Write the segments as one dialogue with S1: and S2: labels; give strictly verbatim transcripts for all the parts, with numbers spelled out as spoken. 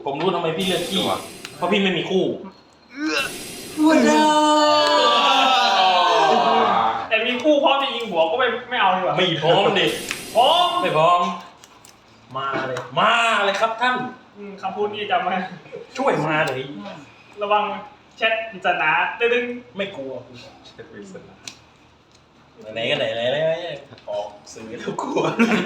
S1: ผมรู้ทำไมพี่เลือกขี้เพราะพี่ไม่มีคู่ว้า
S2: แต่มีคู่พร้อมจะยิงหัวก็ไม่ไม่เอาดีกว่า
S1: ไม่พร้อมดิ
S2: พร้อม
S1: ไม่พร้อมมาเลยมาเลยครับท่าน
S2: คำพูดนี้จำไว้
S1: ช่วยมาเลย
S2: ระวังแชทปริศนาดึง
S1: ไม่กลัวแชทปริศนาไหนกันไหนไหนไหนออกสื่อแล้วกลัว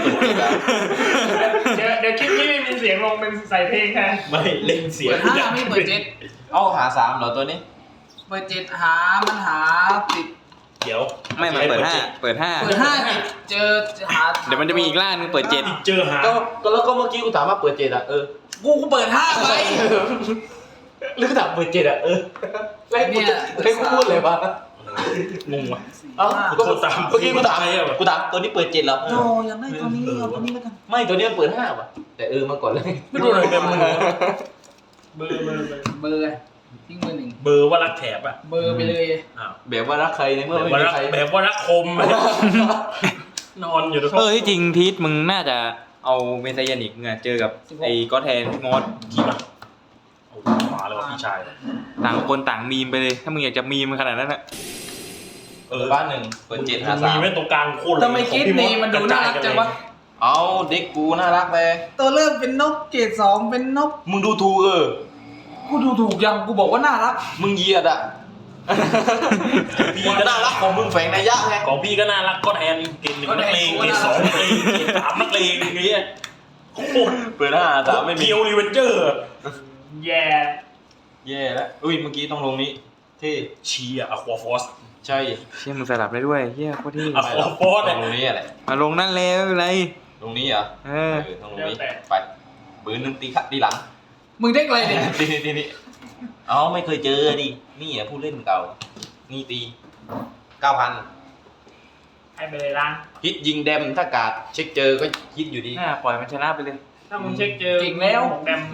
S2: เดี๋ยวเดี๋ยวคลิปนี้ไม่มีเสียงลงเป็นใส่เพลงแทน
S1: ไม่เล่นเสียง
S3: เปิดห้าไม่เปิดเจ็ด
S4: เอาหาสามเหรอตัวนี้
S3: เปิดเจ็ดหามันหาติด
S1: เดี๋ยว
S5: ไม่มาเปิดห้าเปิดห้า
S3: เปิดห้าติดเจอหา
S5: เดี๋ยวมันจะมีอีกล่างนึงเปิดเจ็ด
S1: เจอหา
S4: ก็แล้วก็เมื่อกี้กูถามว่าเปิดเจ็ดอ่ะเออ
S3: กูกูเปิดห้าไป
S4: หรือกูถามเปิดเจ็ดอ่ะเออแล้วกูให้กูพูดเลยวะ
S1: งงว่ะ
S4: เอ้าก็ตามเมื่อกี้กูถามกูถามตัวนี้เปิดเจ็ดเหรอ
S3: โนยังได้ตัวนี้เอาตัวนี้แล้วกัน
S4: ไม่ตัวนี้มันเปิดห้าว่ะแต่เออมาก่อนเลย
S1: ไม่รู้อะไรกันมึง
S2: เบอร์เบอร์
S3: เบอร์ทิ้งเบอร์หนึ่ง
S1: เบอร์ว่ารักแถบอ่ะ
S3: เบอร์ไปเลย
S4: แบบว่ารักใครในเมื่อไม่มีใคร
S1: แบบว่ารักคมนอนอยู่
S5: เออที่จริงพีทมึงน่าจะเอาเมซายานิกเนี่ยเจอกับไอ้ก็แทนมอส
S1: กี่มาโอ้มาเลยว่ะพี่ชาย
S5: ต่างคนต่างมีมไปเลยถ้ามึงอยากจะมีมขนาดนั้นอะ
S4: เออบ้านหนึ่งเปิดเจ็ดหาสาม
S1: มีไม่ตรงกลางโคตร
S3: ทำไมคิดนี่มันดูน่ารักจังวะ
S4: เอาเด็กกูน่ารักเลย
S3: ตัวเริ่มเป็นนกเกรดสองเป็นนก
S4: มึงดูถูกเออ
S3: กูดูถูกยังกูบอกว่าน่ารัก
S4: มึงเยียดอ่ะพี่ก็น่ารักของมึงแฝงนัยยะไง
S1: ของพี่ก็น่ารักก็แทนเกณฑ์หนึ่งนักเลงเกณฑ์สองนักเลงเกณฑ์สามนักเลงอย่างเงี้ยโคตร
S4: เปิดหน้าสามไม่มี
S1: เคียวรีเวนเจอร์
S2: แย่
S4: แย่แล้วอุ้ยเมื่อกี้ต้องลงนี้เท่
S1: เชียร์อะควาฟอส
S4: ใช่
S5: เชี่ยมึงสลับได้ด้วยเฮียโคตรเท่
S1: อะควาฟอส
S4: ตรงนี้อะไร
S5: มาลงนั่นแล้วอะไร
S4: ตรงนี้เหรอ
S5: เออ
S4: ตรงนี้ไปปืนนึงตีขัดตีหลัง
S3: มึงเด็กอะไรเนี่ย
S4: ตีนี่ตีนี่อ๋อไม่เคยเจอดินี่อ่ะผู้เล่นเก่านี่ตีเก้าพัน
S2: ให้ไปเลยล้าง
S4: ฮิตยิงแดมถ้ากาดเช็คเจอก็ฮิตอยู่ดี
S5: น่าปล่อยมันชนะไปเลย
S2: ถ้ามึงเช็คเจอ
S3: จริงแล้ว
S2: แดม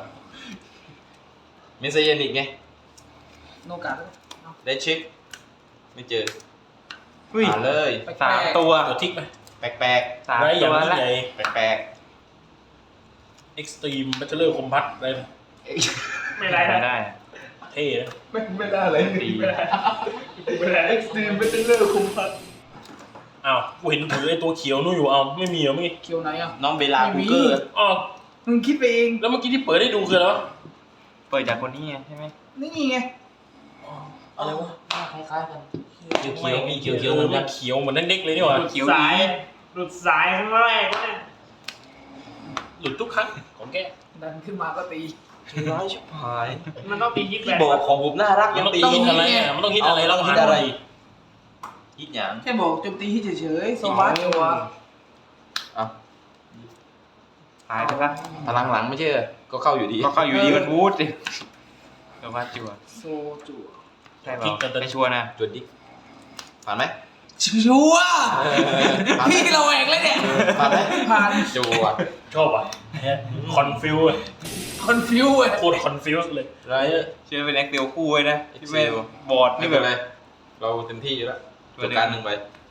S4: เมซายานิกไง
S3: โนกาด
S4: ได้เช็คไม่เจอ
S5: หา
S4: เลย
S5: สามตัว
S1: ตัวทิกไหม
S4: แปลก
S5: ๆสามตัวละ
S4: แปลก
S1: ๆเอ็กซ์ตรีมบัตเตอร์คอมพัทอะไร
S2: ไม่ได้
S5: ไม่ได้
S1: เท่นะ
S4: ไม่ไม่ได้เลย
S2: ตีไม่ได้ไม่ได้เอ็กซ์ตรีมบัตเตอร์คอมพัท
S1: อ้าวกูเห็นถือไอ้ตัวเขียวนู่นอยู่เอาไม่มีเหรอเมื่อกี้
S3: เขียวไหนอ่ะ
S4: น้องเบลาคูเกอร์
S1: อ๋อ
S3: มึงคิดไปเอง
S1: แล้วเมื่อกี้ที่เปิดได้ดูคืออะไรวะ
S5: เปิดจากคนนี้ใช่ไหม
S3: นี่ไง
S1: อะไรวะ
S4: คล้ายๆกันเขียวเขียวมีเขียว
S1: เขี
S4: เขียว
S1: มันเขียวเหมือนเด็กๆเลยนี่หว่า
S2: เขียวสายหลุดสายครั้งแรกเนี่ย
S1: หลุดทุกครั้งของแก
S3: ดันขึ้นมาก็ตี
S4: ร้ายชิบหาย
S2: มันต้องตีฮิตแบบ
S4: บอกของผมน่ารัก
S1: ยังตีฮิตอะไรมันต้องฮิตอะไรแล้วฮิตอะไร
S4: ฮิตอย่าง
S3: แค่บอกโจมตีฮิตเฉยๆโซบัสตัว
S4: อ่ะ
S5: หายไปปะ
S4: พลังหลังไม่ใช่ก็เข้าอยู่ดี
S5: ก็เข้าอยู่ดีมันวูดดิโซบัสจั่ว
S3: โซจั่ว
S5: ใช่ป่ะไม่ชัวร์นะ
S4: จวดดิผ่านไหม
S3: ชัวร์พี่เราแหวกเลยเนี่ย
S4: ผ่านไหม
S3: ผ่าน
S4: จั่ว
S1: ชอบอ่ะคอนฟิว
S3: คอนฟิวเลย
S1: โคตรคอนฟิวเลย
S4: ไร
S5: เชื่อเป็นแอคเซลคู่เลยนะที่ไม่บอร์ด
S4: นี่แบบไรเราเต็มที่อยู่แล้วตัวการหนึ่งไป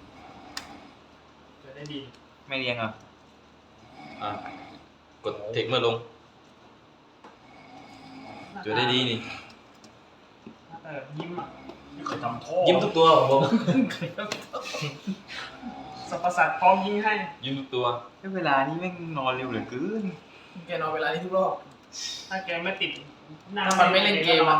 S2: จะได้ดี
S5: ไม่เรียงอ่ะ
S4: อ่ะกดเทคเมื่อลงจุดได้ดีนี่
S2: ยิ้มอ่ะ
S1: เคยทำท่อ
S4: ยิ้มทุกตัวของผม
S2: สัพพสัตว์พร้อมยิงให้
S4: ยิ้มทุกตัว
S5: เวลานี้แม่งนอนเร็วเหลือเกิน
S3: แกนอนเวลานี้ทุกรอบ
S2: ถ้าแกไม่ติด
S3: ถ้ามันไม่เล่นเกมอ่ะ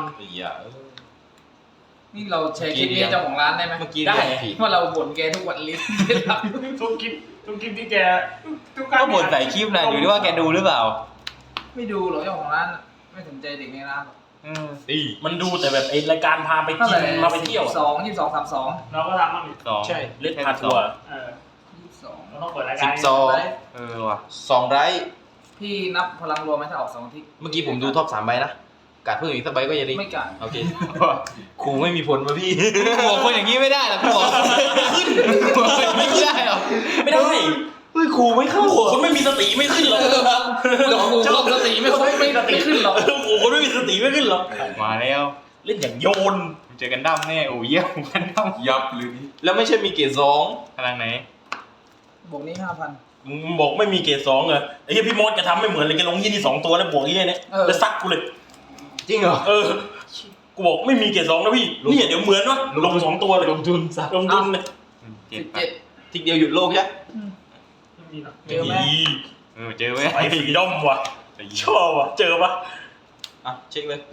S3: นี่เราแชร์คลิปนี้เจ้าของร้านได้ไหม
S4: ได้
S3: ว่าเราบ่นแกทุกวันลิสต์
S2: ทุกคลิปทุกคลิปที่แก
S5: ทุกครั้งก็บ่นใส่คลิปนะอยู่ที่ว่าแกดูหรือเปล่า
S3: ไม่ดูหรอเจ้าของร้านไม่สนใจเด็กในร้าน
S1: อีมันดูแต่แบบไอรายการพาไปกินมาไปเที่ยว
S3: สองยี่สิบสองสามสอง
S2: เราก็ทำมันอีก
S1: สอง
S4: ใช่
S1: เล่นพาทัวร์
S2: เออยี่สิบสองเราต้องเปิดรายการ
S4: สิบสอง
S5: เออว่ะ
S4: สองไร
S3: พี่นับพลังรวมไหมถ้าออกสองทิศ
S4: เมื่อกี้ผมดูท็อปสามใบนะกัดเพิ่มอีกสักใบก็ยังดี
S3: ไม่กัด
S4: โอเคครูไม่มีผลมาพี่
S5: บอกคนอย่างนี้ไม่ได้หรอกพี่บอกขึ้นไม่ได้หรอก
S1: ไม่ได้
S4: เฮ้ยครูไม่เข้า
S1: คนไม่มีสติไม่ขึ้นหรอก
S3: ชอบสติไม่ค่อยไม่สติขึ้นหรอก
S1: โอ้คนไม่มีสติไม่ขึ้นหรอก
S5: มาแล้ว
S1: เล่นอย่างโยน
S5: เจอกันดั้มแน่โอ้ยเยี่ยมกันดั้ม
S4: ยับเลยแล้วไม่ใช่มีเกรดสอง
S5: พลังไหน
S3: บวกนี้ห้าพัน
S1: มึงบอกไม่มีเกรดสองเหรอไอ้เหี้ยพี่มดจะทำไม่เหมือนเลยแกลงยี่นี่สองตัวแล้วบวกยี่เนี่ยแล้วซักกูเลย
S4: จริงเหรอ
S1: เออกูบอกไม่มีเกรดสองนะพี่เนี่ยเดี๋ยวเหมือนวะลงสองตัวเลย
S2: ลงทุนสัก
S1: ลงทุนเลย
S3: สิบเจ็ด
S4: ทีเดียวหยุดโลกใช่
S2: ไม่มีหรอก
S3: เจอไหม
S5: เออเจอไหม
S1: ไอ้ฟรีดอมว่ะชอบว่ะเจอปะ
S4: อ่ะเช็คเลย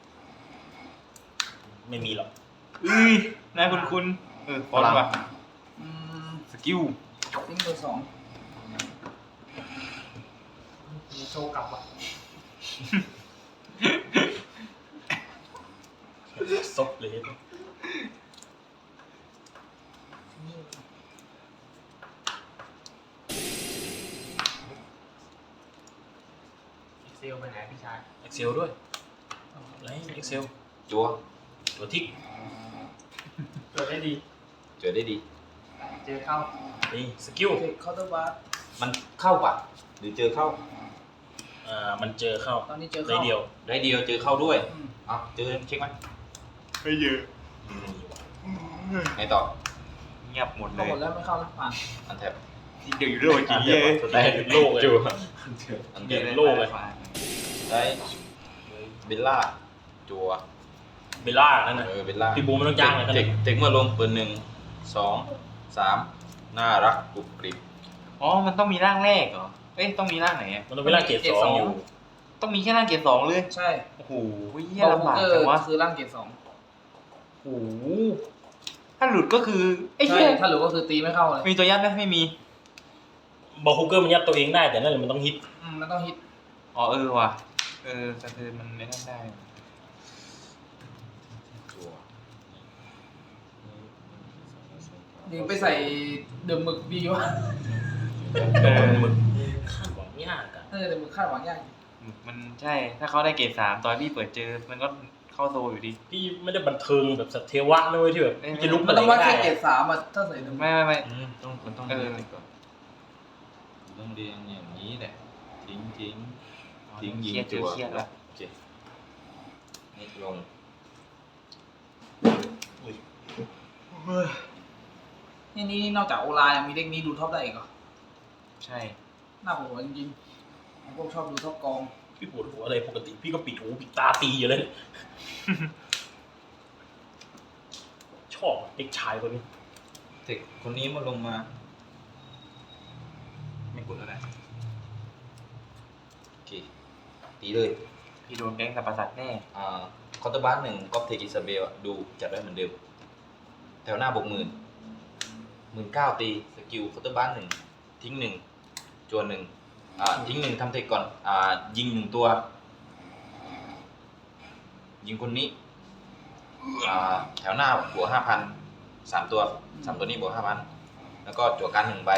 S1: ไม่มีหรอก
S5: อุ้ยน่าคุ้นคุ้นๆเออฟอนต์ว่ะ
S3: อืม
S5: สกิล
S3: ทิ้งเบอร์สอง
S2: มีโชว์กลับอ่ะ
S1: ซบเลย
S2: เซลไปไหนพี่ชาย
S1: เอ็กเซลด้วยอะไรเอ็กเซล
S4: จัว
S1: ตัวทิก
S2: เกิดได้ดี
S4: เจอได้ดี
S2: เจอเข้า
S1: นี่สกิล
S3: เทคเคาน์เตอร์บาร์
S4: มันเข้าปะหรือเจอเข้า
S1: อ่ามันเจอเข้า
S3: ตอนนี้เจอ
S1: ได้
S3: เข้า
S1: เดียว
S4: ได้เดียวเจอเข้าด้วย
S3: อืม
S4: อ่ะเจอเช็คไหม
S5: ไม่เยอะ
S4: ไงต่อ
S5: เงียบหมดเล
S3: เข้าย หมดแล้วไม่เข้าแล้วผ่าน
S4: อันแทบ
S5: ทีเดียวอยู่โลกจีเย่
S1: ได้หยุดโลกเลย
S5: จัว
S4: อัน
S1: เป
S4: แท
S1: ลี่ย
S4: บ
S1: นโลกเลย
S4: ได้เบลล่าจัว
S1: เบลล่านั่นนะ
S4: เออเบลล่า
S1: พี่บูมไม่ต้องจ้างเลย
S4: เทคเทคเมื่อลงเปิดหนึ่งสองสามน่ารักกรุบกริบ
S5: อ๋อมันต้องมีร่างแรกเหรอเอ้ยต้องมีร่างไหนอะ
S1: มันต้องเวลาเกรดสองอยู่
S5: ต้องมีแค่ร่างเกียร์สองเลย
S3: ใช่
S5: โอ้โหเหี้ย
S3: บอล
S5: ลำบาก
S3: เกอ
S5: จัง
S3: ร์
S5: วะ
S3: คือร่างเกรดสอง
S5: โอ้โหถ้าหลุดก็คือไอ้
S3: ใช่
S5: เหี้ย
S3: ถ้าหรือก็คือตีไม่เข้าเลย
S5: มีตัวยัดไหมไม่มี
S1: บอลฮุกเกอร์มันยัดตัวเองได้แต่นั่นแหละมันต้องฮิต
S3: อืมมันต้องฮิต
S5: อ๋อเออว่ะเออสะเทือนมันไม่นั่นได้
S4: จัว
S3: ยิงไปใส่เดิมหมึกดีวะ
S1: โดนมึงคาดหวังยากอะ
S3: เออเดิมหมึกคาดหวังยาก
S5: มันใช่ถ้าเขาได้เกรดสามตอนพี่เปิดเจอมันก็เข้าโซอยู่ดี
S1: พี่ไม่ได้บันเทิงแบบสัตว์เทวะนะเว้ยที่แบบ
S5: เอ้ย
S1: จะลุก
S3: มั
S1: อะ
S3: น
S1: ไร
S3: ต้อง
S1: ก็
S3: ว่า
S1: ได้
S3: แค่เกรดสามอ่ะถ้าใส่เดิมหมึก
S5: ไม่ไม่ไม่
S4: อืมต้องมันต้อง
S5: เออ
S4: เรียงก่อนต้องเรียงอย่างนี้แหละทิ้งทิ้ง ทิ้งยิง
S5: เครียด
S4: จั
S5: จั
S4: ว
S5: เครียดละ
S4: โอเคนี่ลง
S3: นี่นี่นอกจากโอลายังมีเด็กนี้ดูท็อปได้อีกเหรอ
S5: ใช่
S3: น่าปวดหัวจริงๆผมพวกชอบดูท็อปกอง
S1: พี่ปวดหัวอะไรปกติพี่ก็ปิดหูปิดตาตีอยู่เลย ชอบเด็กชายคนนี้
S4: เทคคนนี้มาลงมา ไม่กดแล้วนะโอเคตีเลย
S5: พี่โดนแก๊งสับประสัตว์แน่
S4: อ่าคอร์เตอร์บาร์หนึ่งก๊อปเทคอิซาเบลอะดูจัดได้เหมือนเดิมแถวหน้าบวกหมื่นหมื่นเก้าตีสกิลคอร์เตอร์บาร์หนึ่งทิ้งหนึ่งจวนหนึ่งอ่าทิ้งหนึ่งทำเทคก่อนอ่ายิงหนึ่งตัว ยิงคนนี้อ่าแถวหน้าบวกห้าพันสามตัวสามตัวนี้บวกห้าพันแล้วก็จั่วการหนึ่งใบ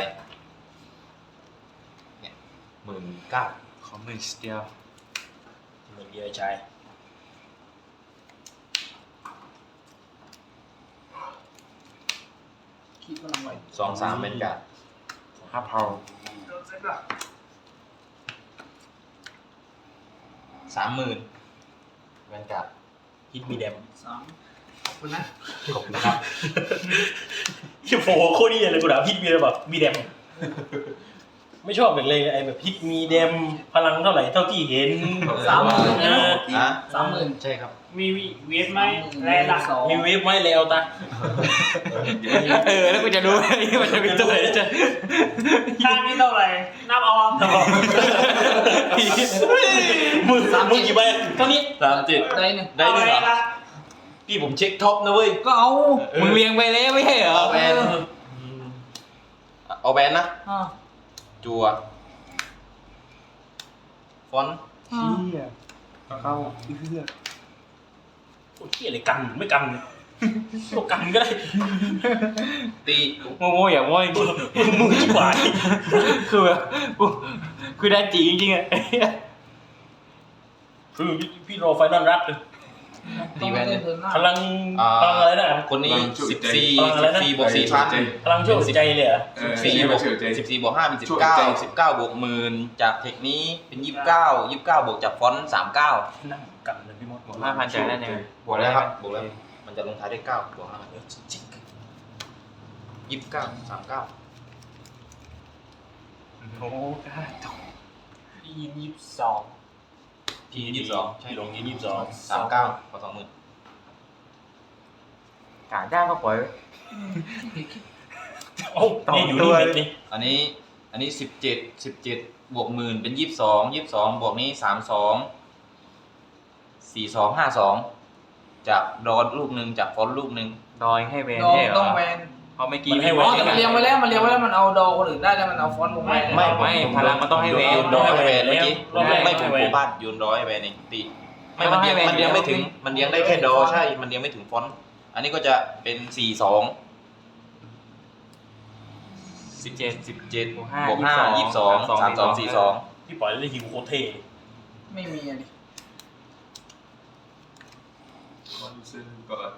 S4: เนี่ยหมื่นเก้า
S5: ขอหมื่นเดียว
S1: เหมือนเดียชาย
S3: คิดกำลังไหว
S4: สองสามเป็นการ
S5: ห้าเผา
S2: โดนเซ็ตอ่ะ
S4: สามหมื่นเป็นการ
S1: ฮิตมีแดม
S3: สาม
S2: ขอบคุณนะ
S4: ขอบคุณครับ
S1: ฮิโฟโคตรดีเลยกูด่าฮิตมีอะไรแบบมีแดม ไม่ชอบแบบเลยไอ้แบบฮิตมีแดมพลังเท่าไหร่เท่าที่เห็น
S3: สามหมื่น
S1: เออ
S4: ฮะ
S3: สามหมื่น
S4: ใช่ครับ
S2: มีเวฟไหมแรงดัก
S3: สอง
S1: มีเวฟไหมแล้วตา
S5: เออแล้วกูจะรู้ไหมมันจะเป็นตัวไหนจะ
S2: ข้างนี้เท่าไหร่นับเอาเอา
S1: มึงมึงกี่ใบเท่านี้
S4: สามเจ็ด
S3: ได้หนึ่ง
S4: ได้ด้วยเหรอ
S2: อาอะ
S4: พี่ผมเช็คท็อปนะเว้ย
S3: ก็เอา
S5: มึงเลี้ยงไปแล้วไม่ใช่เหรอ
S4: เอาแบนเอาแบนนะ
S3: อ่า
S4: จัว ฟอนต์
S3: อ่า
S5: เข้าเพื่อ
S1: โอ้ยเฮียอะไรกันไม่กันตัวกันก็ได้
S4: ตี
S5: โมโมอย่าโม้จริง
S1: มึงชิบหาย
S5: คือแบบกูคือได้จีจริงๆอ่ะ
S1: คือพี่พี่รอไฟนอลรักเลย
S3: ต้องไม่ได้เทิร์นหน้า
S1: พลัง
S4: อ่า
S1: พลังอะไรนะ
S4: คนนี้สิบสี่
S1: พลังอะไร
S4: สิบ
S1: นะ
S4: สี่บวกสี่พัน
S1: พลังช่วยหัวใจเลยเหรอ
S2: เออ
S4: สี่
S2: สี่
S4: บบ ว
S2: ว
S4: ก
S2: ก
S4: สิบสี่บวกห้าเป็นสิบเก้าสิบเก้าบวกหมื่นจากเทคนี้เป็นยี่สิบเก้ายี่สิบเก้าบวกจากฟอนต์สามเก้า
S1: นั่งกันเลยพี่มด
S5: บวกห้าพันจ่ายได้ยังไง
S4: บวกแล้วครับบวกแล้วมันจะลงท้ายด้วยเก้าบวกห้า
S1: เออจริง
S4: ยี่สิบเก้าสามเก้า
S5: อืโอ้กาโต
S2: พี่ยินยี่สิบสอง
S4: ทียี่สิบสอง
S1: พี่หลงยี่สิบสอง
S4: สามเก้าพอสองหมื่น
S5: กาจ้างก็ปล่อยไว้
S1: โอ้เนี่ยอยู่นี่เม็ดนี่
S4: อันนี้อันนี้สิบเจ็ดสิบเจ็ดบวกหมื่นเป็นยี่สิบสองยี่สิบสองบวกนี้สามสองสี่สองห้าสองจากดอนลูกหนึ่งจากฟอนต์ลูกหนึ่ง
S5: ดอยให้แวน
S3: ดอ
S5: ใช่เหรอ
S3: ต้องแวน
S5: เพราะเมื่อกี้
S3: อ๋อแต่มันเรียงไว้แล้วมันเรียงไว้แล้วมันเอาดอคนอื่นได้แล้วมันเอาฟอนต์ลงไป
S5: ไม่ไม่พลังมันต้องให้แวน
S4: โยนดอยให้แวนเมื่อกี้
S1: รอบแรก
S4: ไม่
S1: ให้
S4: ถูก
S1: แว
S4: โค
S1: น
S4: บ้านโยนดอยให้แวนเองตีไม่มันเลี้ยงมันเลี้ยงไม่ถึงมันเลี้ยงได้แค่ดอใช่มันเลี้ยงไม่ถึงฟอนต์อันนี้ก็จะเป็นสี่สอง
S5: สิบเจ็ด
S4: สิบเจ็ด
S5: บวกห้า
S4: บวกห้ายี่สิบสองสามสองสี่สอง
S1: พี่ปล่อยได้ฮิวโคตรเท่
S3: ไม่มีอะดิ
S2: คอนเซนก่อน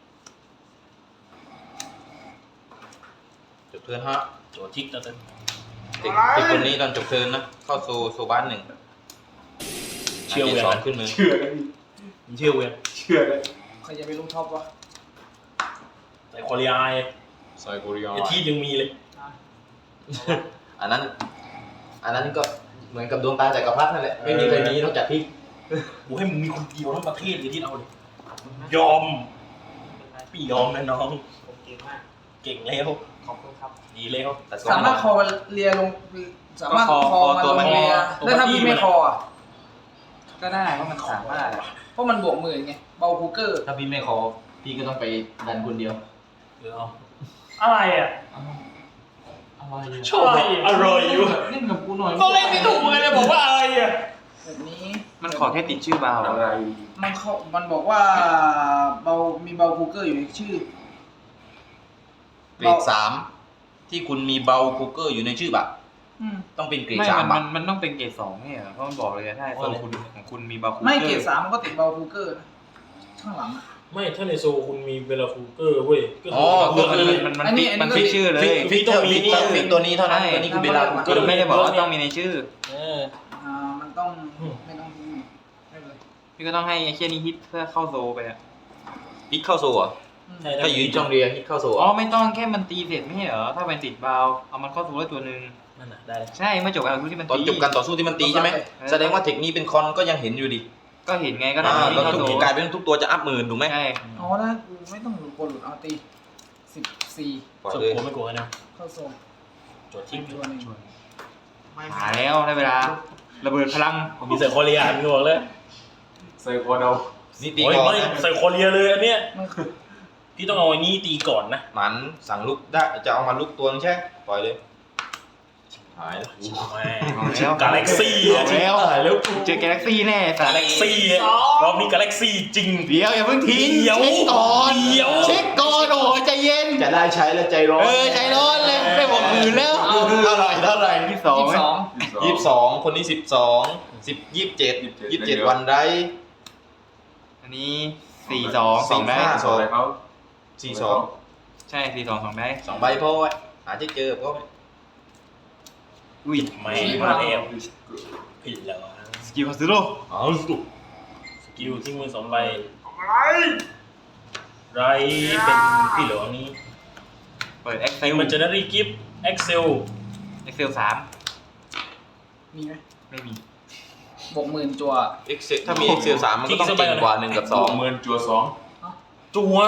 S4: จบเทิร์นฮะ
S1: โจทิกแล้วกัน
S4: เด็กเด็กคนนี้ตอนจบเทิร์นนะเข้าโซโซบ้านหนึ่ง
S1: เชื่อเวีย
S4: สอง
S1: น
S4: ขึ้นมือ
S2: เชื่อกัน
S1: มึงเชื่อเวียน
S2: เชื่อกัน
S3: ใครจะไปลงท็อปวะ
S1: แต่คอรีไอ
S2: ไซโคเรีย
S1: ไอที่ยังมีเลย
S4: อันนั้น อันนั้นก็เหมือนกับดวงตาจักรพรรดินั่นแหละไม่มีใครมีนอกจากพี่
S1: กูให้มึงมีคนเดียวทั้งประเทศเลยที่เอาเลยยอมพี่ยอมนะน้อง
S2: ผมเก่งมาก
S1: เก่งแล้ว
S2: ขอบคุณครับ
S1: ดีแล้ว
S4: แต่
S3: สามารถคอมันเลียลงสามารถคอมันลงเลียแล้วถ้าพี่ไม่คออ่ะ
S5: ก็ได้เพราะมันสามารถอะ
S3: เพราะมันบวกหมื่นไงเบาคูเกอร์
S4: ถ้าพี่ไม่คอพี่ก็ต้องไปดันคนเดียว
S1: เออเอา
S2: อะไรอ่ะ
S4: อะไร
S1: ชอบอร่อยอยู่
S2: เล่นกับกูหน่อย
S1: ก็เล่นไม่ถูกเลยบอกว่าอะไรอ่ะ
S3: แบบนี้
S5: มันขอแค่ติดชื่อบาว
S2: อะไร
S3: มันเขามันบอกว่าเบามีเบาคูเกอร์อยู่ในชื่อ
S4: เกรดสามที่คุณมีเบาคูเกอร์อยู่ในชื่อบัตร
S3: อืม
S4: ต้องเป็นเกรด
S5: ไม่
S4: สาม
S5: มั
S4: บั
S5: น
S4: ตร
S5: มันต้องเป็นเกรดสองเนี่ยเพราะมันบอกเลยอะถ้าโซนคุณของคุณมีบาคู
S3: ไม่เกรดสามมันก็ติดเบาคูเกอร์นะข้างหลังอะ
S1: ไม่ถ้าในโซคุณมีเวลาคูเกอร์เว้ยก็
S4: อ๋อ
S1: เลือก
S5: มัน
S1: เลย
S5: มันมัน
S3: อันนี้
S5: ฟิก
S3: อันนี้
S5: มันฟิกชื่อเลย
S4: ฟิกฟิกต้องมีต้องฟิกตัวนี้เท่านั้น
S5: ใช่
S4: ตัวนี้คือเบลาคูเก
S5: ก็
S4: อร์
S5: ไม่ได้บอกว่าต้องมีในชื่อ
S1: เออ
S3: อ่ามันต้องไม่ต้องไม่เป็นไร
S5: พี่ก็ต้องให้ไอ้เชี่ยนี้ฮิตเพื่อเข้าโซไปอ่ะ
S4: ฮิตเข้าโซ่อะ
S3: อืม
S1: ใช่
S4: ถ้าอยู่ที่ช่องเรียฮิตเข้าโซ่
S5: อ๋อ
S4: อะ
S5: ไม่ต้องแค่มันตีเสร็จไม่ใช่เหรอถ้าเป็นติดบาวเอามันเข้าโซได้ตัวหนึ่ง
S1: นั่นน่ะได้เลย
S5: ใช่เมื่อจบการที่มัน
S4: ตอน
S5: ตี
S4: จบการต่อสู้ที่มันตีใช่ไหมแสดงว่าเทคนี้เป็นคอนก็ยังเห็นอยู่ดิ
S5: ก็เห็นไงก็ได้
S4: อ่า
S5: ที่
S4: แล้ว
S5: เข้า
S4: ทุ
S5: โซ
S4: กกลายเป็นทุกตัวจะอัพหมื่นถูกไหม
S5: ใช่
S3: อ๋อถ้ากูไม่ต้องหลุดกดหลุดเอาตีสิบสี่
S4: ปล่อย
S1: ส
S4: เลย
S1: กลัวไม่กลัวนะ
S3: เข้าโซน
S1: โจทิก
S3: ตัวหนึ่ง
S5: มาแล้วได้เวลาระเบิดพลัง
S1: ผมมีใส่คอเรียมึงบอกเลย
S2: ไซโคเดา
S4: นี่ตี
S1: โอ้ย
S4: ก่อน
S1: ไม่
S4: นะ
S1: ใส่คอเรียเลยอันเนี้ย
S3: มัน
S1: พี่ต้องเอาอันนี้ตีก่อนนะ
S4: หมันสั่งลุกได้จะเอามาลุกตัวนึงใช่ปล่อยเลยหายแล้ว
S1: แม่กาแล็กซี่
S5: เอาแล้ว
S1: แล้ว
S5: เจอกาแล็กซี่แน่สั
S1: กา
S5: ตว์
S1: แล็กซี่รอบนี้กาแล็กซี่จริง
S5: เดี๋ยวอย่าเพิ่งทิ้ง
S1: เดี๋ยว
S5: เช็คก่อน
S1: เดี๋ยว
S5: เช็คก่อนโอ้โหใจเย็น
S4: จะได้ใช้แล้วใจร้อน
S5: เออใจร้อนเลยไม่บอกอื่นแล้ว
S4: เท่าไหร่เท่าไหร่
S5: ที่สอง
S3: ยี่สิบสอง
S4: ยี่สิบสองคนนี้สิบสองสิบยี่สิบเจ็ดยี่สิบเจ็ดวันได้
S5: อันนี้สี่สองสองได้
S4: ห้า
S2: สองอะไรเขา
S4: สี่สอง
S5: ใช่สี่สองสองได้
S4: สองใบพ่อไว้อาจจะเจอพ่อ
S5: อุ้ย
S1: ไม่มาแล้วผิดแล้ว
S5: สกิลคาซูโร่
S1: เอาสุดสกิลที่มือสองใบ
S2: อะไร
S1: ไรเป็นพี่เหลืองนี้
S5: เปิดเอ็กเซล
S1: มันจะได้รีกิฟต์เอ็กเซล
S5: เอ็กเซลสาม
S3: มีไหม
S5: ไม่มี
S3: บวกหมื่นจัว
S4: เอ็กเซถ้ามี Excel สามมันก็ต้องเก่งกว่าหนึ่งกับสอง
S2: หมื่นจัวสอง
S1: จัว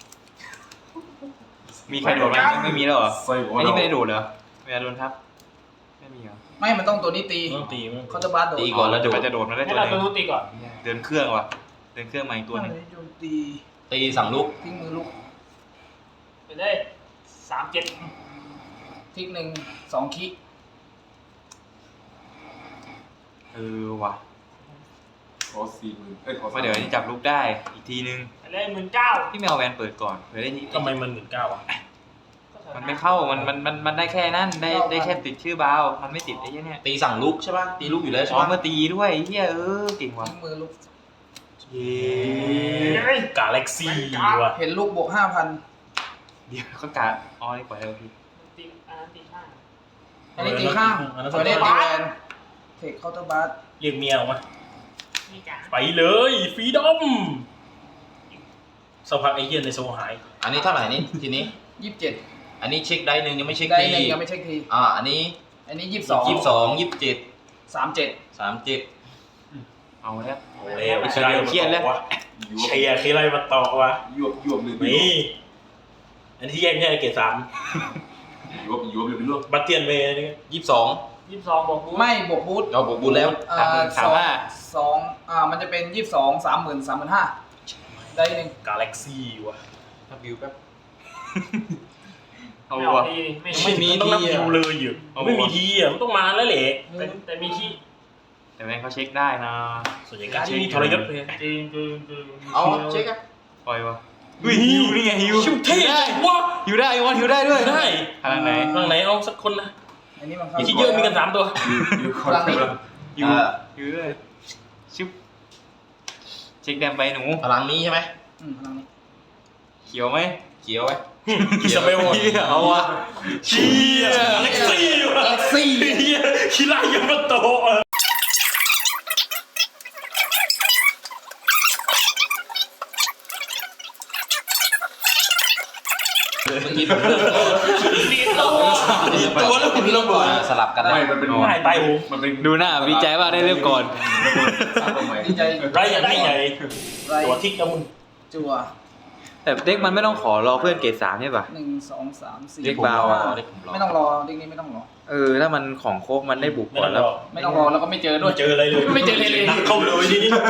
S5: มีใครโดดไหมไม่ไม่มีแล้วเหรอ
S2: ไซโค
S5: อัน
S2: เดา
S5: นี้ไม่ได้โดดเหรอเวลาโดนทับไม่มีเหรอ
S3: ไม่มันต้องตัวนี้ตี
S1: ต้องตีมั้ง
S3: เขาจะบาสโดด
S4: ตีก่อนแล้ว
S5: จะ
S4: โด
S5: ไป
S4: ด
S5: จะโดดมาได้
S2: ให้
S5: ตัว
S2: เรา
S5: หนึ
S2: ตัว
S5: ง
S2: นู้นตีก่อน
S5: เดินเครื่องว่ะเดินเครื่องมาอีกตัวหนึง
S3: โจมตี
S4: ตีสั่งลุก
S3: ทิ้งมือลูก
S2: ไปเลยสามเจ็ด
S3: ทิ้งหนึ่งสองคิ
S5: เออว่ะ
S2: ขอสี่หมื่นเอ้ยขอ
S5: เพราะเดี๋ยวอันนี้จับลูกได้อีกทีนึง
S2: ไปเลยหมื่นเก้า
S5: พี่ไม่เอาแวนเปิดก่อนเผื่อได้ที
S1: ทำไมมันหมื่นเก้าอ่ะ
S5: มันไม่เข้ามันมันมันมันได้แค่นั้นได้ได้แค่ติดชื่อบาวมันไม่ติดไอ้เหี้ยเนี่ย
S4: ตีสั่งลุกใช่ป่ะตีลุกอยู่แล้วใช่
S5: อ๋อ
S4: ป่ะ
S5: มาตีด้วยเฮียเออเก่งว่ะ
S3: ทิ้งมือลูก
S1: เย้กาแล็กซี่ว่ะ
S3: เห็นลูกบวกห้าพัน
S5: เดี๋ยวก็กาอ๋อนี่ปล่อยแล้วพี่
S2: ตีอันนั้นตีห้า
S3: อันนี้ตีข้าง
S1: อันนั้น
S3: ตัวนี้ตีแวนเทคเคาน์เตอร์บาส
S1: เรียกเมียออกมา
S2: นี่จ้ะ
S1: ไปเลยฟรีดอมสักพักไอ้เหี้ยในโซหาย
S4: อันนี้เท่าไหร่นี่ทีนี้
S3: ยี่สิบเจ็ด
S4: อันนี้เช็คได้หนึ่งยังไม่เช็ค
S3: ได้
S4: ที
S3: หนึ่งยังไม่เช็คที
S4: อ่าอันนี้
S3: อันนี้ยี่สิบสอง
S4: ยี่สิบสองยี่สิบเจ็ด
S3: สามเจ็ด
S4: สามเจ็ด
S5: เอาแล้ว
S1: โอ้แล้วใครมาต่อวะเชียร์ใครมาต่อวะ
S2: ยวบยวบเลย
S1: นี่อันที่แยกไม่ใช่เกรดสาม
S2: ยวบยวบเลยเป็นเรื่อง
S1: บัตเตียนเวย์นี่
S4: ยี่สิบสอง
S5: ยี่สิบสองบอกกู
S3: ไม่บวกบูท
S4: เราบวกบุญแล้ว
S3: อ่า
S5: สามห้า
S3: สองอ่ามันจะเป็นยี่สิบสองสามหมื่นสามหมื่นห้าได้หนึ่ง
S1: กาแล็กซี่วะ
S4: นับวิวแป๊บ
S5: เอา
S6: ไม่ออ
S5: วะ
S6: กทีไม่
S4: ไม่มี
S1: ต้องนับ
S4: ทีอะ
S1: คิวเลยอยู่
S5: เอาวะ
S1: ไม่มีทีอ่ะมันต้องมาแล้วแหละ
S6: แต่แต่มีขี้
S5: แต่แม่งเขาเช็คได้นะ
S1: ส่วนใหญ่การที่มีทรยศเลย
S6: จริงจริงจริง
S4: เอาเช็คอะ
S5: ปล่อยวะอุ้ยฮิวนี่ไงฮิว
S1: ชิวเท่
S5: ได้
S1: วะ
S5: ฮิวได้วันฮิวได้ด้วย
S1: ได้
S5: พลังไหน
S1: ข้างไหนเอาสักคนนะ
S3: อันนี้มัน
S1: อย่าคิดเยอะมีกันสามตัว
S2: อยู่ค
S3: พ
S2: น
S3: ลังนี้
S5: ฮิว
S4: อ่า
S5: ฮิวด้วยชิบเช็คแดมไปหนู
S4: พลังนี้ใช่ไหม
S3: อืมพลังนี้
S5: เขียวไหม
S4: เขียวไว้
S1: อิซาเบล
S5: เหี้ยเอาวะ
S1: เชียร์กาแล็กซี่วะ
S3: เอ็กซี่
S1: เฮียคิรายามาโตะ
S4: เมื่อกี้ผมเลือก
S1: ตัวแล้วคุณระเบิด
S4: สลับกัน
S2: ไม่
S4: แล้ว
S2: มันเป็น
S1: ไม่ตายหู
S2: มันเป็น
S5: ดูหน้าวิจัยว่าได้เริ่มก่อน
S2: สร้างตรงไหน
S3: ดีใจ
S1: ไรอย่างไรใหญ่
S3: ไร
S1: ตัวทิกนะมึง
S3: จัว
S5: แต่เด็กมันไม่ต้องขอรอเพื่อนเกรดสามใช่ป่ะ
S3: หนึ่งสองสามสี่
S5: เรียกเบาอะ
S3: ห้
S4: เรียกผมรอ
S3: ไม่ต้องรอเด็กนี้ไม่ต้องรอ
S5: เออถ้ามันของครบมันได้บุก
S1: ไม่
S5: ก่อ
S1: ต้อน ง
S5: แล้ว
S1: รอ
S3: ไม่ต้องรอแล้วก็ไม่เจอด้
S1: ไม่
S3: วย
S1: เจออะไรเลย
S3: ไม่เจอเลยเลย
S1: นักเข้าเลยทีนี้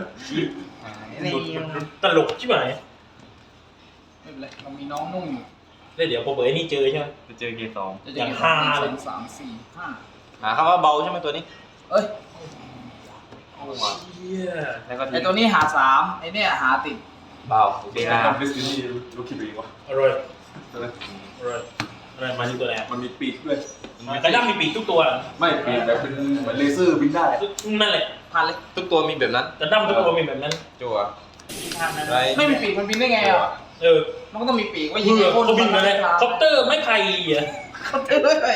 S1: ตลกใช่ไหม
S3: ไม่เป็นไรเรามีน้องนุ่มอยู่
S1: แล้วเดี๋ยวพอเบิร์ดนี่เจอใช่ไหม
S5: จะเจอเกรดสอง
S3: จะ
S1: อย่าง
S3: เจ
S1: ห้า
S3: ห
S1: เลย
S3: นึ่งสองสามสี่ห้า
S4: หาคำว่าเบาใช่ไหมตัวนี้
S3: เอ้ย
S1: เชี่ย
S5: แล้วก็
S3: ไอตัวนี้หาสามไอเนี่ยหาติด
S4: เบา
S5: เบลา
S2: ทำดิสนีย์ลูกคิดดูดีวะ
S1: อร่อย
S2: ใช่ไหม
S1: อร่อยอะไรมาที่ตัวไหน
S2: มันมีปีกด้วย
S1: กระด้างมีปีกทุกตัว
S2: ไม่ปีกแบบเป็นเหมือนเลเซอร์บินได้
S1: นั่นแหละ
S3: ผ่านเลย
S4: ทุกตัวมีแบบนั้น
S1: กระด้างทุกตัวมีแบบนั้น
S4: จัว
S6: ที่ทางนั้น
S4: ไร
S3: ไม่มีปีกมันบินได้ไงอ่ะ
S1: เออ
S3: มันก็ต้องมีปีกไว้ยิ
S1: ยิ
S3: ง
S1: ง
S3: ไอ้
S1: เขา
S3: คน
S1: บินมาเลยคอปเตอร์ไม่ไผ่อะ
S3: เขาเตอร์เลย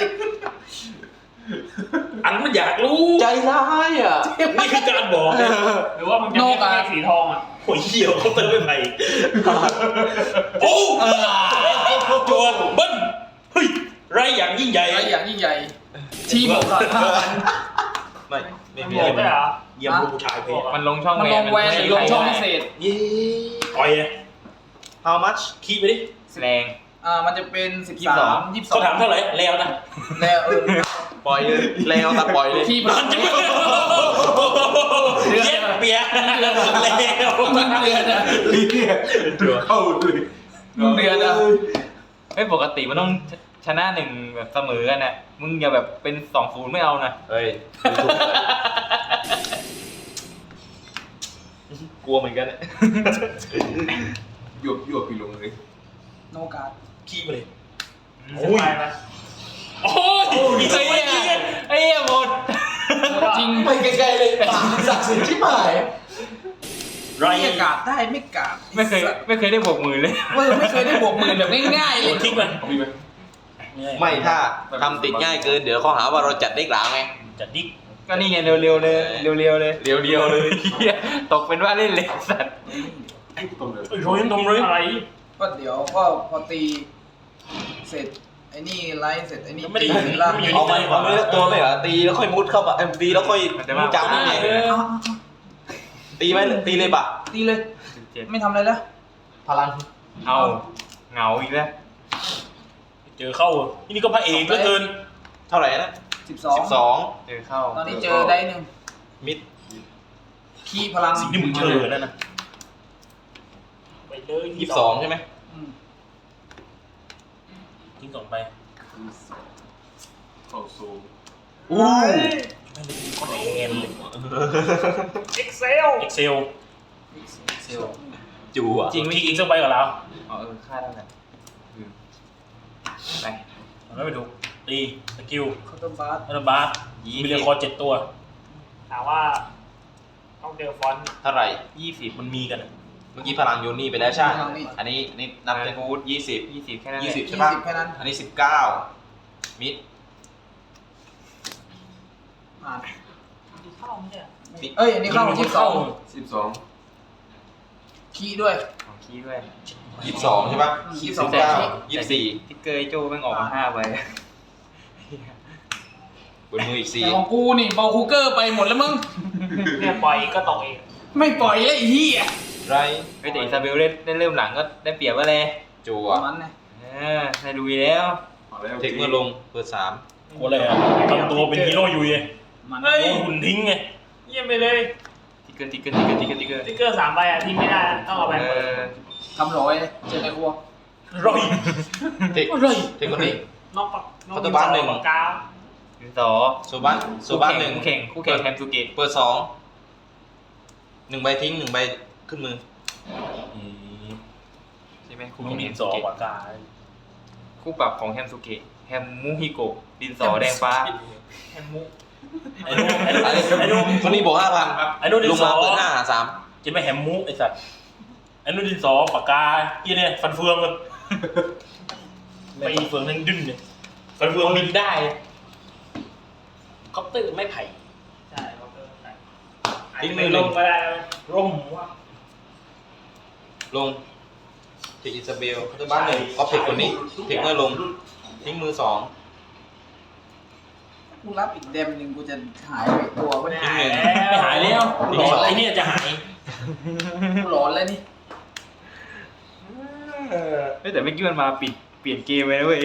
S1: อันมันอยากรู้
S4: ใจร้ายอ่ะ
S1: นี่คือการบอกนะ
S6: หรือว่ามันจะมีเลขสีทองอ่ะ
S1: โอ้ยเหี้ยวคอปเตอร์ไม่ไผ่โอ้ตัวเบิ้ลเฮ้ยไรอย่างยิ่งใหญ่
S3: ไอ้อย่างยิ่งใหญ่ทีมของเรา
S4: ไม่ไม่มี
S6: บ
S4: อะ
S6: อก
S4: ไร
S6: ได้เหรอ
S1: เยี่ยมผู้ชายเพศ
S5: มันลงช่อง
S3: มันลงแวนหรือลงช่องพิเศษ
S4: เย้
S1: ต่อยอะ
S4: how much
S1: ขี้ไปดิ
S5: แรง
S3: อ่ามันจะเป็นสิบ
S5: ยี่สิบส
S3: สา
S5: อง
S3: มยี่สิบสอง
S1: เขาถามเท่าไหร่แล้วนะ
S3: แล้วเออ
S4: ปล่อยเลยแล้วแต่ปล่อยเลย
S3: ทีม
S1: น
S3: เรา
S1: อนจะไม่เย็ดเปียแล้ว
S3: มึงเดือนอะ
S2: ลีเนี่ยถือเข้าเลย
S3: มึงเดือนอะ
S5: ไม่ปกติมันต้องชนะหนึ่งแบบเสมอกันน่ะมึงอย่าแบบเป็นสองศูนย์ไม่เอานะ
S4: เฮ้ยดูถูกเลยกลัวเหมือนกันเนี่ย
S2: หยวบหยวบปีลงเลย
S3: โนการ์ด
S1: ขี้ไปเลย
S6: โอ้ยไป
S1: โอ้ยมีส
S5: ไอ้
S1: มัย
S5: เหี้
S1: นี้
S5: ยไอ้เหี้ยหมด
S3: จริง
S4: ไปไกลๆเลยปากศักดิ์สิทธิ์ที่หมาย
S1: ไร
S3: ไม่กาดได้ไม่กาด
S5: ไม่เคยไม่เคยได้บวกมือเลย
S3: เออไม่เคยได้บวกหมื่นแบบง่ายๆเล
S1: โอ้
S3: ย
S1: ทิ้งไป
S2: เอามีไหม
S4: ไม่ถ้าทำติดง่ายเกินเดี๋ยวเขาหาว่าเราจัดเด็กหลาไง
S1: จัดดิ๊ก
S5: ก็นี่ไงเร็วๆเลยเร็วๆเลย
S4: เรียวๆเลย
S5: เหี้ยตกเป็นว่าเล่นเลยสัตว์
S2: ตรงเลย
S1: โอ้ยโรยทำเลย
S6: อะไร
S3: ก็เดี๋ยวก็พอตีเสร็จไอ้นี่ไลฟ์เสร็จไอ้นี่
S1: ไม่ได้
S3: ตีล่าง
S1: อยู่
S4: เอาไปเอาไปตัวไม่เหรอตีแล้วค่อยมุดเข้ามาเอ็มตีแล้วค่อย
S5: มันจะ
S4: มุ
S5: มา
S4: ดจับได้ไง
S3: เอา
S4: ตีไหมตีเลยปะ
S3: ๆตีเลย
S5: เจ็ด
S3: ไม่ทำอะไรแล้ว
S4: พลัง
S5: เอาเหงาอีกแล้ว
S1: เจอเข้าที่นี่ก็พระเอกเหลือเกิน
S4: เท่าไหร่นะ
S3: สิบสอง
S4: สิบสอง
S5: เจอเข้า
S3: ตอนนี้เจอได้หนึ่ง
S4: มิด
S3: ขี้พลัง
S1: สิ่งที่มึงเจอนั่นนะไปเลย
S4: ยี่สิบสองใช่ไหม
S3: อืม
S1: ทิ้งสองไป
S2: เข้าซูม
S4: อู้
S1: ไม่ได้มีคนแอนเลย
S6: เอ็กเซล
S1: เอ็กเซล
S3: เซล
S4: จูอ่ะ
S1: จริงทิ้งอีกสักใบกับเรา
S5: อ๋อเออค่าเท่าไหร่อืมไป
S1: มันไม่ไปดูตีสกิล
S3: เคาน์เตอร์บาร์
S1: อัลบาร์มีเรียคอร์เจ็ดตัว
S6: ถามว่าต้องเจอฟอนต์
S4: เท่าไหร่
S5: ยี่สิบ
S1: มันมีกันอะ
S4: เมื่อกี้พลังโยนี่ไปแล้วใช่อันนี้นี่นับเป็นฟูดยี่สิบ
S5: ยี่สิบแค่นั้นแห
S4: ยี่
S5: ละ
S4: สิบใช่
S3: ยี่
S4: ปะ
S3: สิบแค่นั้น
S4: อันนี้สิบเก้ามิด
S3: ผ่าน
S6: เข้าไม่ใช่
S3: เอ้ยอันนี้เข้ายี่สิบสอง
S2: สิบสอง
S3: ขี้ด้วย
S5: ของคีย์ด้วย
S4: ยี่สิบสองใช่ปะ
S3: ยี่สิบส
S4: สิ
S3: อง
S4: บเก้ายี่สิบสี่
S5: ติ๊กเกอร์ไอ้โจ้แม่งออกมาห้าใบ
S4: บนมืออีกสี่
S3: แต่ของกูนี่เบาคูเกอร์ไปหมดแล้วมึง
S6: เนี่ยปล่อยก็ตกเอง
S3: ไม่ปล่อยเลยไอ้เหี้ย
S4: ไร
S5: เฮ้ยแต่อิซาเบลเล่นเล่นเริ่มหลังก็ได้เปรียบว่าเลย
S4: จัว
S3: ประมาณนั้น
S5: เออได้ลุยแล้ว
S4: เทคเมื่อลงเปิดสาม
S1: โอ้อะไรอ่ะทำตัวเป็นฮีโร่ยุยไง
S3: มัน
S6: เฮ้ย
S1: โดนหุ่นทิ้งไง
S6: เยี่ยมไปเลย
S5: ติ๊กเกอร์ติ๊กเกอร์ติ๊กเกอร์ติ๊กเกอร์ติ๊กเกอร์
S6: สติ๊กเกอร์สามใบอ่ะทิ้งไม่ได้นะต้องเอาไป
S5: เอ
S6: เปิด
S5: อ
S3: ทำร้อยเลยเจอในครัว
S1: ร่อย
S4: เทค
S1: ร่อย
S4: เทคคนนี้
S6: นอกปากนอก
S4: พัตเตอร์บ้านหนึ่ง
S6: ปากกา
S5: ดินสอ
S4: โซบ้านโซบ้านหนึ่ง
S5: คู่แข่งคู่แข่งแฮมซูเกะ
S4: เปิดสองหนึ่งใบทิ้งหนึ่งใบขึ้นมือ
S1: อืม
S5: ใช่ไหมคู่
S1: มึ
S5: แข่
S1: ง
S5: งแฮ
S1: ดิน
S5: ม
S1: ส
S5: ซู
S1: อ
S5: เกะ
S1: ปากกา
S5: คู่ปรับของแฮมซูเกะแฮมมูฮิโกะดินสอแดงฟ้า
S6: แฮมมุก
S1: ไอ้นู่นไอ้นู่นไอ้นู่น
S4: คนนี้บอกห้าพัน
S1: ไอ้นู่นดิ
S4: ล
S1: น
S4: ง
S1: ส
S4: มา
S1: อ
S4: เปิดห้าหาสาม
S1: กินไม่แฮมมุกไอ้สัตว์ไอ้นู่นดินสอปากกาที่เนี่ยฟันเฟืองเลยไม่ฟันเฟืองนั่งดึงเนี่ยฟันเฟืองบินได้คอปเตอร์ไม่ไผ่
S6: ใช่เขาเพิ่มใส่
S4: ทิ้งมื
S6: ไม่
S4: อ
S6: ล
S4: ล
S6: ง
S4: ง
S6: ก็ได้นะ
S1: ร่มว่า
S4: ลงเทคอิซาเบลพัตเตอร์บ้านหนึ่งออฟเทคคนนี้เทคเมื่อลงทิ้งมือสอง
S3: กูรับอีกเดมหนึ่งกูจะหายไปตัววะเนี่ย
S1: ไม่หายแล้วหลอนไอ้เนี่ยจะหาย
S3: กูร้อนแล้วนี่
S5: เฮ้ยแต่เมื่อกี้มันมาปิดเปลี่ยนเกมไปแล้วเว้ย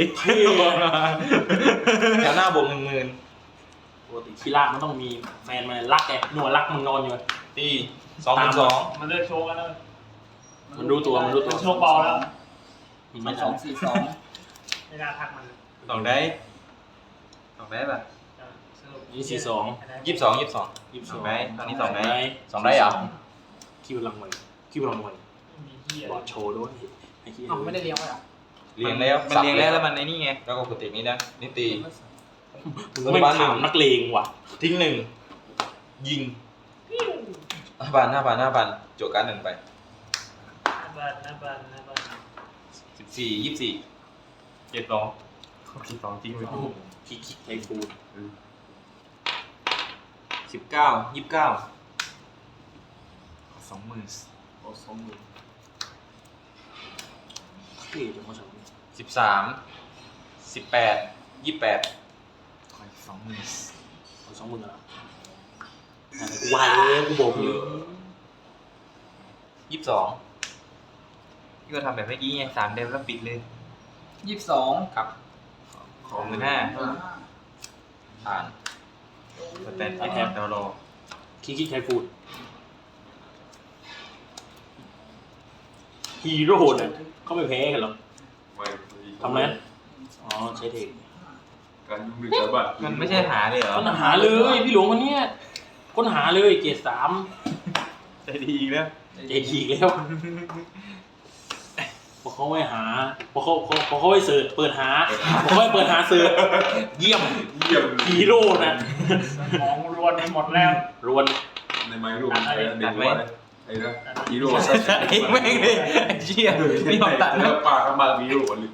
S4: แถวหน้าบวกหนึ่งหมื่น
S1: ปกติคีร่ามันต้องมีแฟนมันรักไงหนวดรักมึงนอนอยู่
S4: ตีสองหมื่นสอง
S6: มันเลือกโชว์กันแล้ว
S1: มันรู้ตัวมันรู้ตัว
S6: โชว์เบาแล้ว
S3: มันสองสี่สอง
S6: ไม่น่าทักมัน
S5: สองได้สองได้ป่ะ
S6: สรุป
S1: นี่สี่สอง
S4: ยี่สิบสองยี่สิบสอง
S1: ยี่สิบ
S5: ส
S1: ส
S5: อ
S1: อง ง
S5: ได้ตอนนี้สองได้
S4: สองได้เหรอ
S1: คิวรางวัลคิวรางวัล
S6: มีเหี้ย
S1: บอดโชว์ด้วยไอ้เหี้ย
S3: อ้าวไม่ได้เลี้ยงไว้เหรอ
S4: เรียงแล้ว
S5: มันเรียงแล้วแล้วมันไอ้นี่ไง
S4: แล้วก็กดเทคนี้นะนี่ตี
S1: มึงไม่ถามนักเลงว่ะ
S4: ทิ้งหนึ่งยิงห้าพันห้าพันห้าพันโจกการดหนึ่งไป
S6: น้าบันน้าบันน้าบัน
S4: สิบสี่ยี่สิบสี่
S5: เจ็ดสองเจ็ดสองจริงเลย
S1: คิกคิกไทฟูด
S5: สิบเก้ายี่สิบเก้าสองหมื่น
S2: โอ้สองหมื่น
S1: เท่จังวะสอง
S4: สิบสามสิบแปดยี่สิบแปด
S5: สองหมื่น
S1: สองหมื่นเหรอวายเลยกูบอกเลย
S4: ยี่สิบสอง
S5: ที่เราทำแบบเมื่อกี้ไงสามเดมแล้วปิดเลย
S3: ยี่สิบสอง
S4: ครับ
S5: สองหมื่นห้า
S4: ผ่าน
S5: สแตนแอปดาวโล
S1: คิกคิกไทฟูดฮีโร่เนี่ยเขาไม่แพ้กันหรอก
S2: ไม่
S1: ทำไรอ๋อใช้เทค
S2: การยุ่งด้วยชาวบ้าน
S5: มันไม่ใช่หาเลยเหรอ
S1: ค้นหาเลยพี่หลวงวันเนี้ยค้นหาเลยเกรดสาม
S5: ใจดีอีกแล้ว
S1: เจทีกแล้วพอเขาไม่หาพอเขาพอพอเขาไม่เสิร์ชเปิดหาพอเขาไม่เปิดหาเสิร์ชเยี่ยม
S2: เยี่ยม
S1: ฮีโร่นะ
S6: สมองรวนไปหมดแล้ว
S1: รวน
S2: ในไม้รูปมันใช้เด็กว่าไอ้นะฮีโร่
S5: ไอ้แม่งเลยไอ้เชี่ยไม่ยอมตัด
S2: แล้
S5: แล้ว
S2: วปากก็มาฮีโร่เลย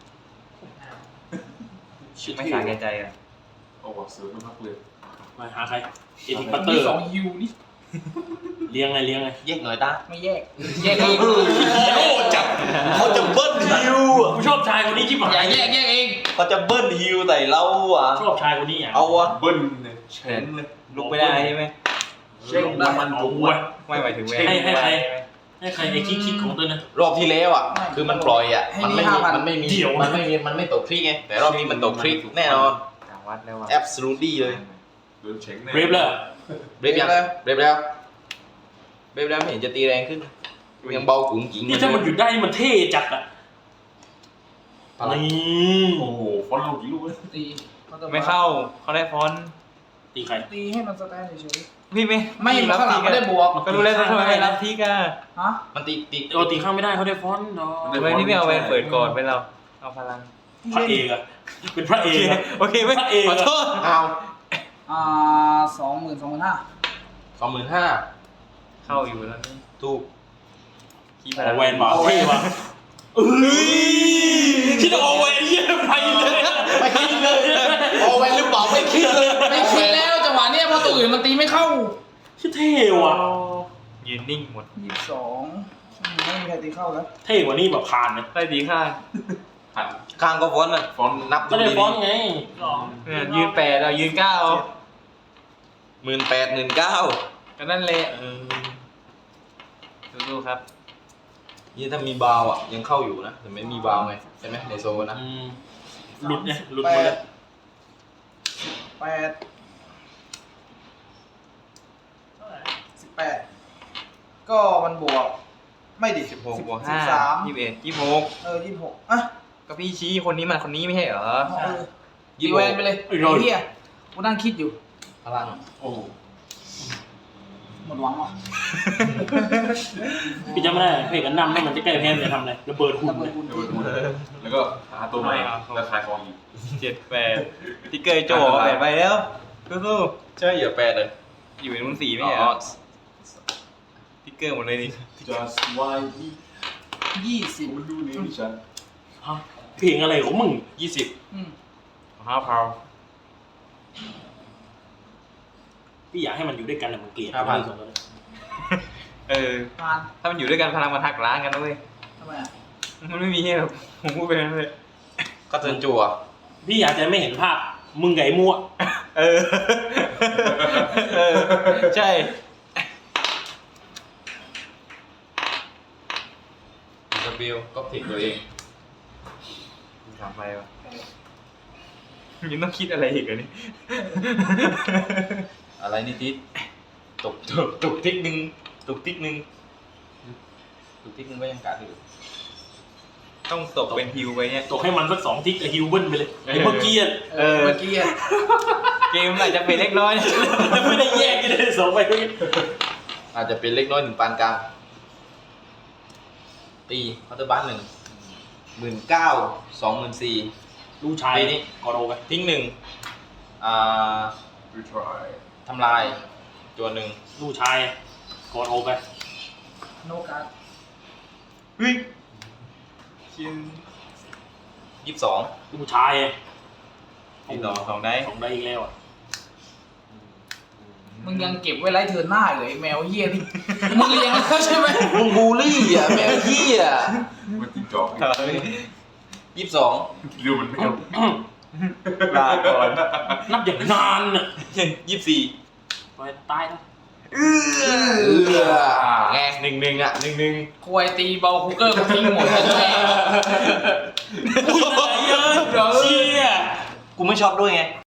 S5: ไม่สาแก่ใจอ่ะ
S2: โอ้โหเสือไม่พักเลย
S1: มาหาใครเจทีปัตเตอ
S3: มี
S1: ร์
S3: สองฮิวนี่
S1: เลี้ยงไงเลี้ยงไง
S4: แยกหน่อยตา
S3: ไม่แยก แยกเอง
S4: ฮีโร่จับเขาจะเบิ้ลฮิวอ่ะ
S1: กูชอบชายคนนี้ชิบหา
S3: อย่าย แยกแยกเอง
S4: เขาจะเบิ้ลฮิวใส่เราอ่ะ
S1: ชอบชายคนนี้อ่ะ
S4: เอาวะ
S2: เบิ้ลเนี่ยเชนเลย
S5: ลุกไม่ได้ใช่ไหม
S1: เช่งมันเอาวะ
S5: ไม่หมายถึงเว้ย
S1: ให้ให้ใคร ให้ใครไอ้คิกคิกของตัวนะ
S4: รอบที่แล้วอ่ะ คือมันปล่อยอ่ะ
S3: ให้
S4: มัน
S3: นี่
S4: ไม่มี
S3: ห้าพัน
S4: มันไม่มี
S1: เดี๋ยว
S4: มันไม่มีมันไม่ตกคลิกไงแต่รอบนี้มันตกคลิกแน่นอน
S5: ต่างวัดแล้วว่ะ
S4: absolutely เลย
S2: โดนเฉง
S1: เรฟเลย
S4: เบรฟยังเบรฟแล้วเบรฟแล้วไม่เห็นจะตีแรงขึ้นยังเบาขุงกิง
S1: นี่ถ้ามันหยุดได้นี่มันเท่จัดอ่ะ
S4: อะไร
S1: นี่
S2: โอ้โหฟอนต์ลูกกี่ลูกเลย
S3: ตี
S5: ไม่เข้าเขาได้ฟอนต์
S1: ตีใคร
S3: ตีให้มันสแตนเฉย
S5: พี่ไม่
S3: ๆไม่ข้างหลังไม่ได้บวก
S5: ก็รู้แล้วทำไมไม่รับทิกอ่ะ
S3: ฮะ
S4: มันตีตี
S1: โอตีข้างไม่ได้เขาได้ฟอนต์เนาะ
S5: ทำไมพี่ไม่เอาแวนเปิดก่อนไปเราเอาพลัง
S1: พระเอกอะเป็นพระเอกอะ
S5: โอเคไม่
S1: พระเอก
S5: ขอ
S1: อะ
S5: โทษ
S4: เอา
S3: อ่าสองหมื่นสองหมื่นห้า
S4: สองหมื่นห้า
S5: เข้าอยู่แล้วนี่
S4: ถูก
S5: ขี้พ
S1: เอา
S5: ลัง
S1: แวนมาเท่ว่ะเอ้ยคิดเอาแวนเยี่ยไปเลย
S4: ไม่คิดเลยโอเวนหรือเปล่าไม่คิดเลย
S3: ไม่คิดแล้วจังหวะเนี้ยเพราะตัวอื่นมันตีไม่เข้า
S1: ชื่อเท่ว่ะ
S5: ยืนนิ่งหมด
S3: ยี่สิบสองไม่มีใครตีเข้าแล้ว
S1: เท่กว่านี่แบบผ่านไหม
S5: ได้ดีค่ะ
S2: หัน
S4: ข้างก็ฟอนต์นะ
S2: ฟอนต์
S4: นับ
S1: ก็
S4: ดู
S1: ได้
S4: ดี
S1: ฟอนต์ไง
S6: สอง
S5: เนี่ยยืนแปดเรายืนเก้า
S4: หมื่นแปดหมื่นเก้า
S5: ก็นั่นแหละสู้ๆครับ
S4: นี่ถ้ามีบาวอ่ะยังเข้าอยู่นะแต่ไม่มีบาวไงใช่ไหมในโซนนะ
S1: อืมหลุดเนี่ยหลุด
S3: แป
S1: หมดเล
S3: ด
S1: ย
S3: แปดสิบแปดก็มันบวก ไม่ดิ
S5: สิบหกบวก
S3: สิ
S5: ห้า
S3: บสาม
S5: ยี่สิบเอ็ดยี่สิบหก
S3: เออยี่สิบหกอ่ะ
S5: ก็พี่ชี้คนนี้มันคนนี้ไม่ใช่เหรอ
S3: เอาเออตีแวนไปเลยไอ้เหี้ยกูนั่งคิดอยู่
S4: พลัง
S2: โอ้
S3: หมดหวังว่ะ
S1: พี่จำไม่ได้เพลงกันนำแล้วมันจะแก้แพ้มันจะทำอะไรระเบิดหุ่น
S3: ระเบิด
S1: เนี่ย
S3: คุณ
S2: เดี๋ยวดูแล้วก็หาตัวใหม่แล้วขายของอีก
S5: เจ็ดแปดติ๊กเกอร์โจ้แปดไปแล้วสู้
S4: ใช่เหรอแปดเลย
S5: ๆอยู่ในรุ่นสี่ไม่ใช่เหร
S4: อ๋
S5: อ
S4: อ
S5: ติ๊กเกอร์หมดเลยนี่
S2: just why
S3: ยี่สิบ
S2: มันดูนี่ดิฉัน
S1: ฮะเพลงอะไรของมึง
S4: ยี่สิบ
S3: อืม
S5: ห้าพาว
S1: พี่อยากให้มันอยู่ด้วยกันแต่มันเกลียดสองตัวเลย
S5: เออ
S3: ผ่าน
S5: ถ้ามันอยู่ด้วยกันพลังมันหักล้างกันนะเว้ย
S3: ทำไมอ่ะ
S5: มันไม่มีให้หรอกผมพูดไปนั่นเลย
S4: ก็เทิร์นจั่ว
S1: พี่อยากจะไม่เห็นภาพมึงไก่มั่ว
S5: เออ เออ ใช่
S4: สเบลก็เทคตัวเอง
S5: สามใบวะยังต้องคิดอะไรอีกเหรอนี่
S4: อะไรนี่ทิศตกตกตกทิกหนึ่งตกทิกหนึ่งตกทิกหนึ่งก็ยังกัดอยู่
S5: ต้องตกเป็นฮิวไปเนี่ย
S1: ตกให้มันสักสองทิกกับฮิวเบิ้ลไปเลยไอ้เมื่อกี้อะ
S3: เออเมื่อกี้อ่ะ
S5: เกมอาจจะเป็นเล็กน้อย
S1: จะไม่ได้แยกกันเลยสองใบก็
S4: อาจจะเป็นเล็กน้อยหนึ่งปานกลางตีเคาน์เตอร์บ้านหนึ่งหมื่นเก้าสองหมื่นสี่
S1: ลูกชาย
S4: ปีนี้
S1: กอโรไป
S4: ทิ้งหนึ่งอ่า
S2: retry
S4: ทำลายตัวหนึ่ง
S1: ลูกชายกอโรไป
S3: โนการ์ด
S5: เฮ้ยชิน
S4: ยี่สิบสอง
S1: ลูกชาย
S5: อีกสองสองได้
S1: สองได้อีกแล้วอ่ะ
S3: มึงยังเก็บไว้ไล่เธอหน้าอยู่ไอ้แมวเหี้ยนี่มึงเลี้ยงแล้วใช่ไหม
S4: มึงบูลลี่อ่ะแมวเหี้ย
S2: มันติดจอก
S4: ยี่สิบสอง
S2: เรื่องมันไม่เอา
S5: ลาก่อน
S1: นับอย่างนานอ่ะ
S4: ยี่สิบสี่
S1: ไปตายนะ
S4: เออแงหนึ่งหนึ่งอ่ะหนึ่งหนึ่ง
S3: ควายตีเบาคุกเกอร์กูทิ้งหมดเลยแม่
S1: อุ้ยอะไรเยอะเชี่ย
S4: กูไม่ชอบด้วยไง